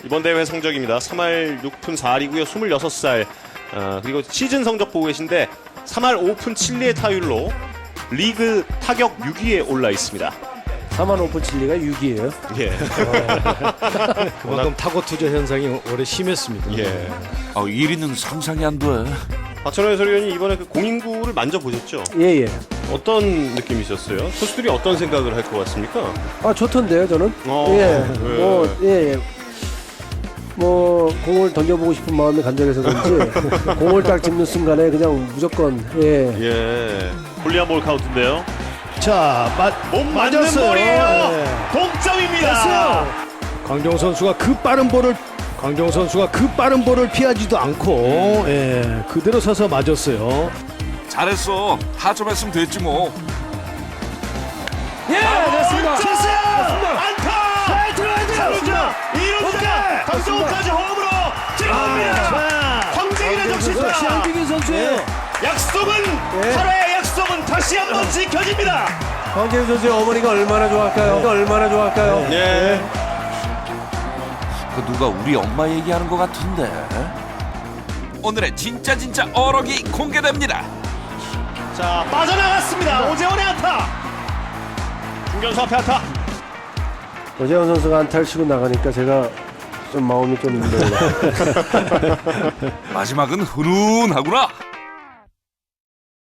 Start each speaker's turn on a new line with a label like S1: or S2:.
S1: 이번 대회 성적입니다. 3할 6푼 4리고요. 26살. 그리고 시즌 성적 보고 계신데 3할 5푼 7리의 타율로 리그 타격 6위에 올라 있습니다.
S2: 4만 오픈 칠리가 6위예요.
S1: 예.
S3: 그만큼 타고 투자 현상이 올해 심했습니다.
S1: 예.
S4: 1위는 상상이 안 돼.
S1: 박찬호 해설위원이 이번에 그 공인구를 만져보셨죠?
S2: 예예.
S1: 어떤 느낌이셨어요? 선수들이 어떤 생각을 할 것 같습니까?
S2: 아 좋던데요 저는.
S1: 예.
S2: 예. 뭐 공을 던져보고 싶은 마음이 간절해서 그런지 공을 딱 짚는 순간에 그냥 무조건
S1: 예. 홀리한 볼 카운트인데요.
S3: 자,
S1: 못 맞는
S3: 맞았어요.
S1: 볼이에요.
S3: 예.
S1: 동점입니다.
S3: 광종 선수가 그 빠른 볼을 피하지도 않고 그대로 서서 맞았어요.
S4: 잘했어. 타점했으면 됐지 뭐.
S3: 예, 됐습니다.
S1: 안타! 삼루자, 이루자, 강성호까지 홈으로 찍어옵니다. 황재균의 적시타.
S3: 황재균 선수예요.
S1: 약속은 8회의 약속은 다시 한번 지켜집니다.
S2: 황재균 선수의 어머니가 얼마나 좋아할까요?
S1: 예.
S4: 그 누가 우리 엄마 얘기하는 것 같은데. 오늘의 진짜 어록이 공개됩니다.
S1: 자, 빠져나갔습니다. 오재원의 안타. 중견수 앞에 안타.
S2: 오재원 선수가 안타를 치고 나가니까 제가 좀 마음이 좀 힘들어요.
S4: 마지막은 훈훈하구나.